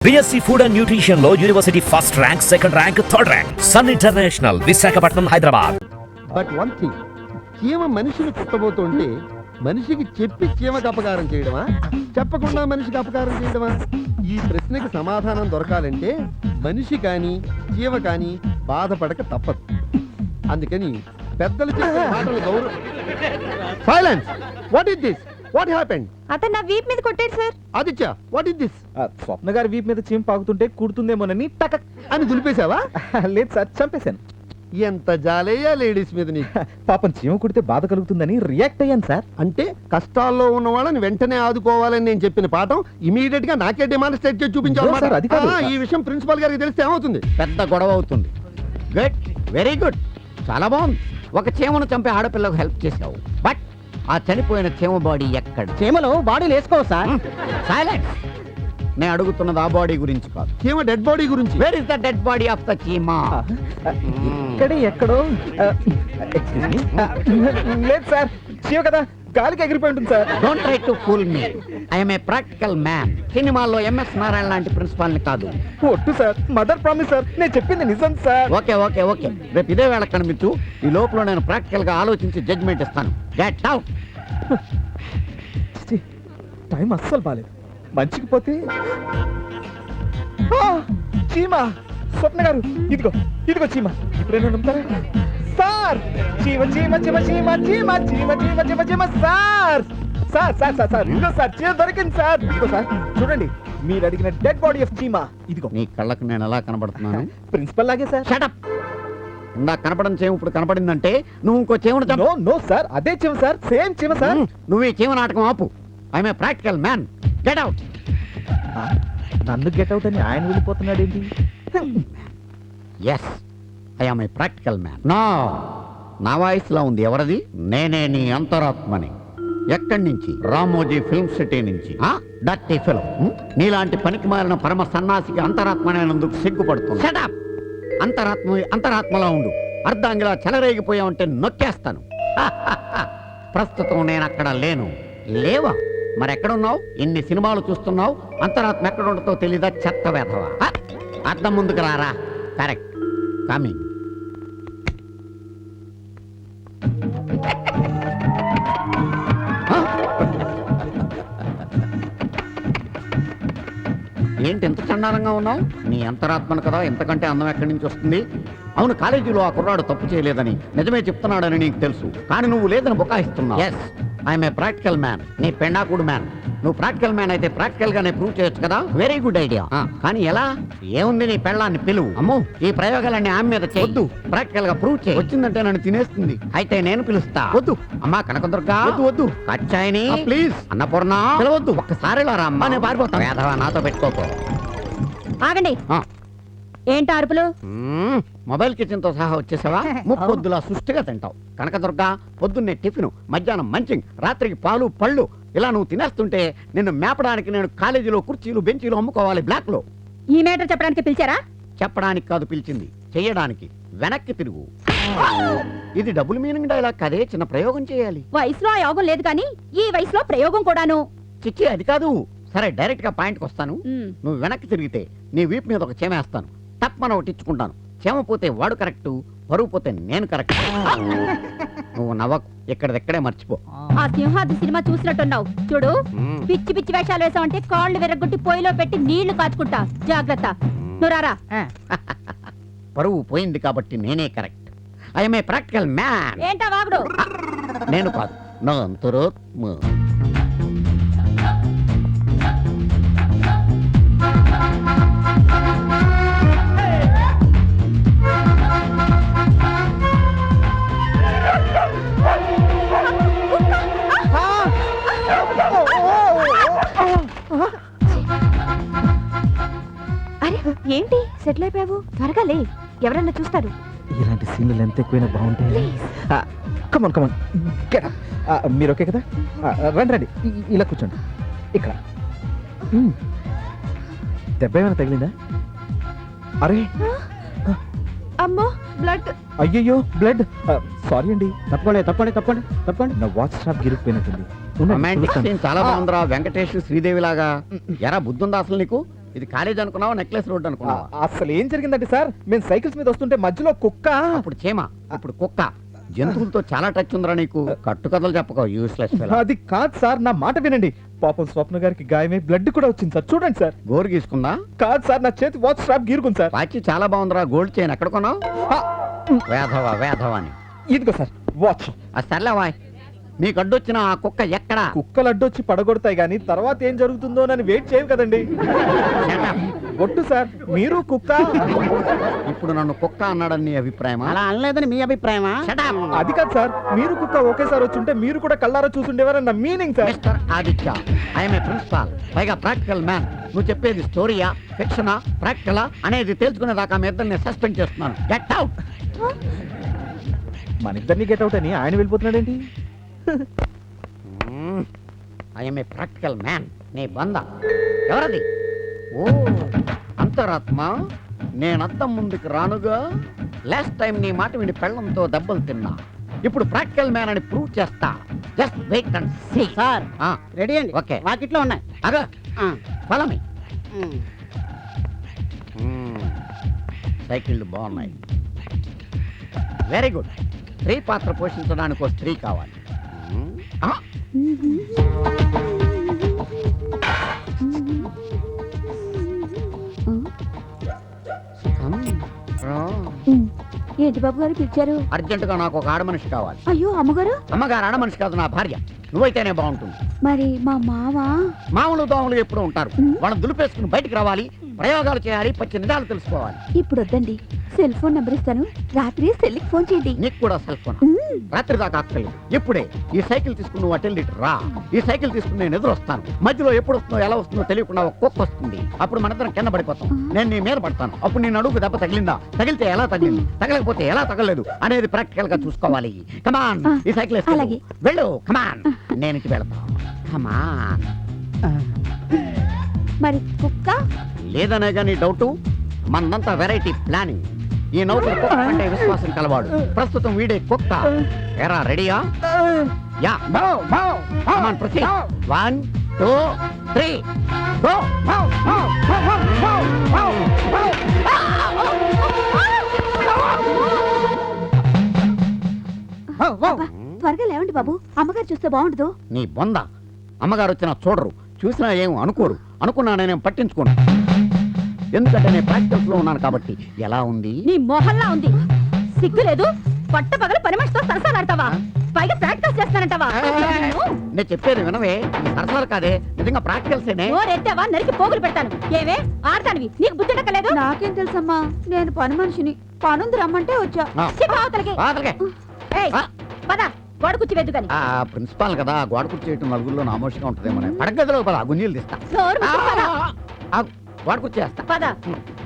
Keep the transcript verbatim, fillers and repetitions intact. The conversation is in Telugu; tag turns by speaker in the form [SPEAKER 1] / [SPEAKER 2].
[SPEAKER 1] బిఎస్సి ఫుడ్ అండ్ న్యూట్రిషన్ లో university first rank, second rank, third rank. Sun International, Visakhapatnam, Hyderabad.
[SPEAKER 2] But one thing, చీమ మనిషిని కుట్టబోతుంటే మనిషికి చెప్పి చీమకు అపకారం చేయడమా, చెప్పకుండా మనిషికి అపకారం చేయడమా? ఈ ప్రశ్నకి సమాధానం దొరకాలంటే మనిషి కానీ చీమ కానీ బాధపడక తప్పదు. అందుకని పెద్దలు చెప్పే మాటలు గౌరవ. Silence. What is this? What happened?
[SPEAKER 3] అతను నా వీప్ మీద కొట్టాడు sir.
[SPEAKER 2] Aditya, what is this?
[SPEAKER 4] Swapna గారి వీప్ మీద చీమ పాకుతుంటే కుడుతుందేమోనని టక్
[SPEAKER 2] అని దులిపేశావా?
[SPEAKER 4] లేదు సార్, చంపేశాను.
[SPEAKER 2] ఎంత జాలేయా లేడీస్ మీద నీకు.
[SPEAKER 4] పాపం చీమ కుడితే బాధ కలుగుతుందని రియాక్ట్ అయ్యాను సార్.
[SPEAKER 2] అంటే కష్టాల్లో ఉన్న వాళ్ళని వెంటనే ఆదుకోవాలని నేను చెప్పిన పాఠం ఇమీడియట్ గా నాకే డిమాన్స్ట్రేట్ చేసి చూపించాలి.
[SPEAKER 4] సార్, అది కాదు.
[SPEAKER 2] ఈ విషయం ప్రిన్సిపల్ గారికి తెలిస్తే ఏమవుతుంది?
[SPEAKER 5] పెద్ద గొడవ అవుతుంది. గుడ్, వెరీ గుడ్, చాలా బాగుంది. ఒక చీమను చంపే ఆడపిల్లకు హెల్ప్ చేసావు. బట్ ఆ చనిపోయిన చీమ బాడీ ఎక్కడ?
[SPEAKER 4] చీమలో బాడీలు వేసుకో సార్.
[SPEAKER 5] సైలెన్స్. నేను అడుగుతున్నది ఆ బాడీ గురించి కాదు,
[SPEAKER 2] చీమ డెడ్ బాడీ గురించి.
[SPEAKER 5] Where is the dead body of the చీమ?
[SPEAKER 4] ఇక్కడే ఎక్కడో. Excuse me. లేదు సార్, చీమ కదా గాలికి ఎగిరిపోయి ఉంటుంది sir.
[SPEAKER 5] Don't try to fool me. I'm a practical man. సినిమాల్లో ఎంఎస్ నారాయణ లాంటి ప్రిన్సిపాల్ ని కాదు.
[SPEAKER 4] ఒట్టు సార్, మదర్ ప్రామిస్ సార్, నేను చెప్పింది నిజం సార్.
[SPEAKER 5] ఓకే ఓకే ఓకే, రేపు ఇదే వేళ కనిపించు. ఈ లోపల నేను ప్రాక్టికల్ గా ఆలోచించి జడ్జ్మెంట్ ఇస్తాను. Get out.
[SPEAKER 4] టైం అస్సలు బాలేదు. మంచికి పోతే ఆ, చీమ. స్వప్న గారు, ఇదిగో ఇదిగో చీమ. ఇప్పుడేనా నమ్ముతారా సార్? చీమ చీమ చీమ చీమ చీమ చీమ చీమ చీమ చీమ sir. Sir sir sir sir ఇదిగో సార్, చీమ దొరికింది సార్. ఇదిగో సార్, చూడండి, మీరు అడిగిన డెడ్ బాడీ ఆఫ్ చీమ ఇదిగో.
[SPEAKER 5] నీ కళ్ళకు నేను ఎలా కనబడుతున్నాను?
[SPEAKER 4] ప్రిన్సిపల్ లాగే సార్.
[SPEAKER 5] షటప్. ఇందా కనపడని చీమ ఇప్పుడు కనపడిందంటే నువ్వు ఇంకో చీమను చంపు.
[SPEAKER 4] నో నో సార్, అదే చీమ సార్, సేమ్ చీమ సార్.
[SPEAKER 5] నువ్వు ఈ చీమ నాటకం ఆపు. I'm a practical man. Get out.
[SPEAKER 4] నన్ను గెట్ అవుట్ అని ఆయన వెళ్ళిపోతున్నాడు ఏంటి?
[SPEAKER 5] Yes, I'm a practical man. నా నా వాయిస్లో ఉంది. ఎవరది? నేనే నీ అంతరాత్మని. ఎక్కడి నుంచి? రామోజీ ఫిల్మ్ సిటీ నుంచి. Dirty film. నీలాంటి పనికి మారిన పరమ సన్నాసికి అంతరాత్మనేందుకు సిగ్గుపడుతుంది. షటప్. అంతరాత్మ అంతరాత్మలా ఉండు. అర్ధాంగిలా చెలరేగిపోయావంటే నొక్కేస్తాను. ప్రస్తుతం నేను అక్కడ లేను. లేవా? మరెక్కడున్నావు? ఇన్ని సినిమాలు చూస్తున్నావు, అంతరాత్మ ఎక్కడ ఉండతో తెలీదా? చెత్త వేధవా. అర్థం ముందుకు రారా. Correct, coming. ఏంటి ఎంత చండాలంగా ఉన్నావు? నీ అంతరాత్మను కదా, ఎంతకంటే అందం ఎక్కడి నుంచి వస్తుంది? అవును, కాలేజీలో ఆ కుర్రాడు తప్పు చేయలేదని నిజమే చెప్తున్నాడని నీకు తెలుసు, కానీ నువ్వు లేదని బుకాయిస్తున్నావు. Yes, I'm a practical man. నీ పెండాకుడు మ్యాన్. నువ్వు ప్రాక్టికల్ మ్యాన్ అయితే ప్రాక్టికల్ గానే ప్రూవ్ చేయొచ్చు కదా. Very good idea. కానీ ఎలా? ఏముంది, నీ పెళ్ళాన్ని పిలువు. అమ్మో, ఈ ప్రయోగాలన్నీ ఆమె మీద చేయొద్దు. ప్రాక్టికల్ గా ప్రూవ్ చేయి. వచ్చిందంటే నన్ను తినేస్తుంది. అయితే నేను పిలుస్తా. వద్దు అమ్మా కనకదుర్గా. వద్దు వద్దు. కచ్చాయిని ప్లీజ్. అన్నపూర్ణ పిలవద్దు. ఒక్కసారి రా అమ్మా, నేను పారిపోతాను. వేధవా, నాతో పెట్టుకోకు.
[SPEAKER 3] ఆగండి. ఏంటి అరుపులు?
[SPEAKER 5] మొబైల్ కిచెన్ తో సహా వచ్చేసావా? ముప్పొద్దులా సుష్టిగా తింటావు. కనకదుర్గా, పొద్దున్నే టిఫిన్, మధ్యాహ్నం మంచింగ్, రాత్రికి పాలు పళ్ళు. ఇలా నువ్వు తినేస్తుంటే నిన్ను మేపడానికి నేను కాలేజీలో కుర్చీలు బెంచీలు అమ్ముకోవాలి బ్లాక్ లో.
[SPEAKER 3] ఈ మేటర్ చెప్పడానికి పిలిచారా?
[SPEAKER 5] చెప్పడానికి కాదు పిలిచింది, చెయ్యడానికి. వెనక్కి తిరుగు. ఇది డబుల్ మీనింగ్ డైలాగ్ కదే, చిన్న ప్రయోగం చేయాలి.
[SPEAKER 3] వయసులో ఆ యోగం లేదు కానీ ఈ వయసులో ప్రయోగం కూడాను.
[SPEAKER 5] చిచ్చి, అది కాదు. సరే, డైరెక్ట్ గా పాయింట్కి వస్తాను.
[SPEAKER 3] మ్.
[SPEAKER 5] నువ్వు వెనక్కి తిరిగితే నీ వీపు మీద ఒక చీమ వేస్తాను. తప్పన ఒకటి ఇచ్చుకుంటాను. చీమ పోతే వాడు కరెక్ట్, పరువు పోతే నేను కరెక్ట్. నువ్వు నవ్వకు, ఇక్కడెక్కడే మర్చిపో.
[SPEAKER 3] ఆ సింహాద్రి సినిమా చూసినట్టున్నావు చూడు.
[SPEAKER 5] మ్.
[SPEAKER 3] పిచ్చి పిచ్చి వేషాలు వేసావంటే కాళ్ళు విరగొట్టి పొయ్యిలో పెట్టి నీళ్లు కాచుకుంటా. జాగ్రత్త. నువ్వు రారా.
[SPEAKER 5] పరువు పోయింది కాబట్టి నేనే correct. I'm a practical man.
[SPEAKER 3] ఏంటా వాగుడు?
[SPEAKER 5] నేను కాదు, నా అంతరాత్మ.
[SPEAKER 3] అరే ఏంటి సెటిల్ అయిపోయావు? త్వరగా లే, ఎవరన్నా చూస్తారు.
[SPEAKER 4] ఇలాంటి సీన్లు ఎంత ఎక్కువైనా బాగుంటాయి. Come on come on. మీరు ఓకే కదా? ఆ, రండి రండి, ఇ- ఇలా కూర్చోండి. ఇక్కడ మ్. దెబ్బ ఏమైనా తగిలిందా? అరే
[SPEAKER 3] అమ్మో, బ్లడ్.
[SPEAKER 4] అయ్యయ్యో, బ్లడ్. సారీ అండి.
[SPEAKER 5] తప్పండి తప్పండి తప్పండి తప్పండి.
[SPEAKER 4] నా వాచ్ స్ట్రాప్ గిరిగిపోయినట్టుంది. ఉండండి,
[SPEAKER 5] రొమాంటిక్
[SPEAKER 4] చూస్తాను.
[SPEAKER 5] సీన్ చాలా బాగుందిరా, వెంకటేష్ శ్రీదేవి లాగా. ఎరా బుద్ధుందా అసలు నీకు? ఇది కాలేజ్ అనుకున్నావా నెక్లెస్ రోడ్
[SPEAKER 4] ఆ,
[SPEAKER 5] అనుకున్నావా
[SPEAKER 4] అసలు ఏం జరిగిందంటే సార్ మేము సైకిల్స్ మీద వస్తుంటే మధ్యలో కుక్క
[SPEAKER 5] అప్పుడు చీమ ఇప్పుడు కుక్క జంతువులతో చాలా టచ్ ఉందిరా నీకు కట్టు కథలు చెప్పకో యూస్లెస్
[SPEAKER 4] అది కాదు సార్ నా మాట వినండి పాపం స్వప్న గారికి గాయమే బ్లడ్ కూడా వచ్చింది సార్ చూడండి సార్
[SPEAKER 5] గోరు గీసుకుందా
[SPEAKER 4] కాదు సార్ నా చేతి వాచ్ స్ట్రాప్ గీరుకుంది సార్
[SPEAKER 5] వాచి చాలా బాగుందిరా గోల్డ్ చైన్ ఎక్కడ కొన్నావు
[SPEAKER 4] ఆ,
[SPEAKER 5] వేధవా వేధవా అని
[SPEAKER 4] ఇదిగో సార్ వాచ్
[SPEAKER 5] ఆ సర్లేవాయ్ నీకు అడ్డొచ్చిన ఆ కుక్క ఎక్కడా
[SPEAKER 4] కుక్కలు అడ్డొచ్చి పడగొడతాయి కానీ తర్వాత ఏం జరుగుతుందో అని వెయిట్ చేయవు కదండి
[SPEAKER 5] Shut up.
[SPEAKER 4] ఒట్టు సార్ మీరు కుక్క
[SPEAKER 5] ఇప్పుడు నన్ను కుక్క అన్నాడని నీ అభిప్రాయమా
[SPEAKER 6] అలా అనలేదని మీ అభిప్రాయమా
[SPEAKER 5] Shut up.
[SPEAKER 4] అది కాదు సార్ మీరు కుక్క ఒకేసారి వచ్చుంటే మీరు కూడా కళ్ళారా చూసుండేవారని నా meaning sir
[SPEAKER 5] mister Aditya I'm a principal పైగా ప్రాక్టికల్ మ్యాన్ నువ్వు చెప్పేది స్టోరీయా ఫిక్షనా ప్రాక్టికలా అనేది తెలుసుకునేదాకా మీ ఇద్దరిని సస్పెండ్ చేస్తున్నాను గెట్ అవుట్
[SPEAKER 4] మన ఇద్దరిని గెట్ అవుట్ అని ఆయన వెళ్ళిపోతున్నాడేంటి
[SPEAKER 5] ఐఎమ్ ఏ ప్రాక్టికల్ మ్యాన్ నీ బంద ఎవరది ఓ అంతరాత్మ నేనద్దం ముందుకు రానుగా లాస్ట్ టైం నీ మాట విని పెళ్ళంతో దెబ్బలు తిన్నా ఇప్పుడు ప్రాక్టికల్ మ్యాన్ అని ప్రూవ్ చేస్తా just wait and see
[SPEAKER 6] sir
[SPEAKER 5] ఆ
[SPEAKER 6] రెడీ అండి
[SPEAKER 5] ఓకే
[SPEAKER 6] వాకిట్లో ఉన్నాయి
[SPEAKER 5] అగా
[SPEAKER 6] ఆ,
[SPEAKER 5] ఫాలో మీ
[SPEAKER 6] ఉమ్.
[SPEAKER 5] సైకిళ్ళు బాగున్నాయి వెరీ గుడ్ స్త్రీ పాత్ర పోషించడానికి ఒక స్త్రీ కావాలి మ్మ్. ఆ, come, రా.
[SPEAKER 3] ఏంటి బాబు గారు పిలిచారు?
[SPEAKER 5] అర్జెంటుగా నాకు ఒక ఆడ మనిషి కావాలి
[SPEAKER 3] అయ్యో అమ్మగారు,
[SPEAKER 5] అమ్మగారు ఆడ మనిషి కాదు నా భార్య నువ్వైతేనే బాగుంటుంది
[SPEAKER 3] మరి మా మావ
[SPEAKER 5] మామూలు దోమలు ఎప్పుడు ఉంటారు వాళ్ళని దులిపేసుకుని బయటికి రావాలి ప్రయోగాలు చేయాలి పచ్చి నిజాలు తెలుసుకోవాలి
[SPEAKER 3] ఇప్పుడు వద్దండి, సెల్ ఫోన్ నెంబర్ ఇస్తాను, రాత్రి సెల్కి ఫోన్ చేయండి.
[SPEAKER 5] నీకు కూడా సెల్ ఫోన్ రాత్రి దాకా అక్కర్లేదు ఇప్పుడే ఈ సైకిల్ తీసుకుని నువ్వు అటెండ్ ఇటు రా ఈ సైకిల్ తీసుకుని నేను ఎదురు వస్తాను మధ్యలో ఎప్పుడు వస్తుందో ఎలా వస్తుందో తెలియకుండా ఒక కుక్క వస్తుంది అప్పుడు మనిద్దరం కింద పడిపోతాం నేను నీ మీద పడతాను అప్పుడు నేను అడుగు దెబ్బ తగిలిందా తగిలితే ఎలా తగిలింది తగలకపోతే ఎలా తగలలేదు అనేది ప్రాక్టికల్ గా చూసుకోవాలి కమాన్ ఈ సైకిల్ వేసుకెళ్ళు.
[SPEAKER 3] అలాగే.
[SPEAKER 5] వెళ్ళు కమాన్ నేను ఇంటికి వెళ్తాను కమాన్
[SPEAKER 3] మరి కుక్క?
[SPEAKER 5] లేదనే కానీ డౌట్ మనంతా వెరైటీ ప్లానింగ్ ఈ నౌకరు కుక్క అంటే విశ్వాసం కలవాడు ప్రస్తుతం వీడే కుక్క ఎరా రెడీయా yeah come on proceed one two three go
[SPEAKER 3] అబ్బా, త్వరగా లేవండి బాబు, అమ్మగారు చూస్తే బాగుండదు.
[SPEAKER 5] నీ బొంద అమ్మగారు వచ్చినా చూడరు చూసినా ఏం అనుకోరు అనుకున్నా నేను పట్టించుకోను ఎందుకంటే నేను ప్రాక్టికల్స్ లో ఉన్నాను కాబట్టి ఎలా ఉంది
[SPEAKER 3] నీ మొహల్లా ఉంది, సిగ్గు లేదు, పట్ట పగల పని మనిషితో సరసాలాడతావా, పైగా ప్రాక్టీస్ చేస్తానంటావా?
[SPEAKER 5] నేను చెప్పేది వినవే ఇది సరసాలు కాదే నిజంగా ప్రాక్టికల్సేనే
[SPEAKER 3] ఎత్తావా నరికి పోగులు పెడతాను. ఏవే ఆడతానివి, నీకు బుద్ధి ఎక్కలేదు? నాకేం తెలుసమ్మా, నేను పని మనిషిని, పనుంది రమ్మంటే వచ్చా.
[SPEAKER 5] ఆ.
[SPEAKER 3] ఛీ, పావతలకి.
[SPEAKER 5] పాతలకే.
[SPEAKER 3] ఏయ్,
[SPEAKER 5] ఆ.
[SPEAKER 3] పద గోడ కుర్చీ వెద్దు కానీ.
[SPEAKER 5] ఆ ప్రిన్సిపాల్ కదా గోడ కుర్చేయటం నలుగురిలో నామోషంగా ఉంటుందేమో పడగదిలో పద గుంజీలు తీస్తా
[SPEAKER 3] నోరు
[SPEAKER 5] ఆ,
[SPEAKER 3] మూసుకు పద.
[SPEAKER 5] ఆ, గోడ కుర్చేస్తా
[SPEAKER 3] పద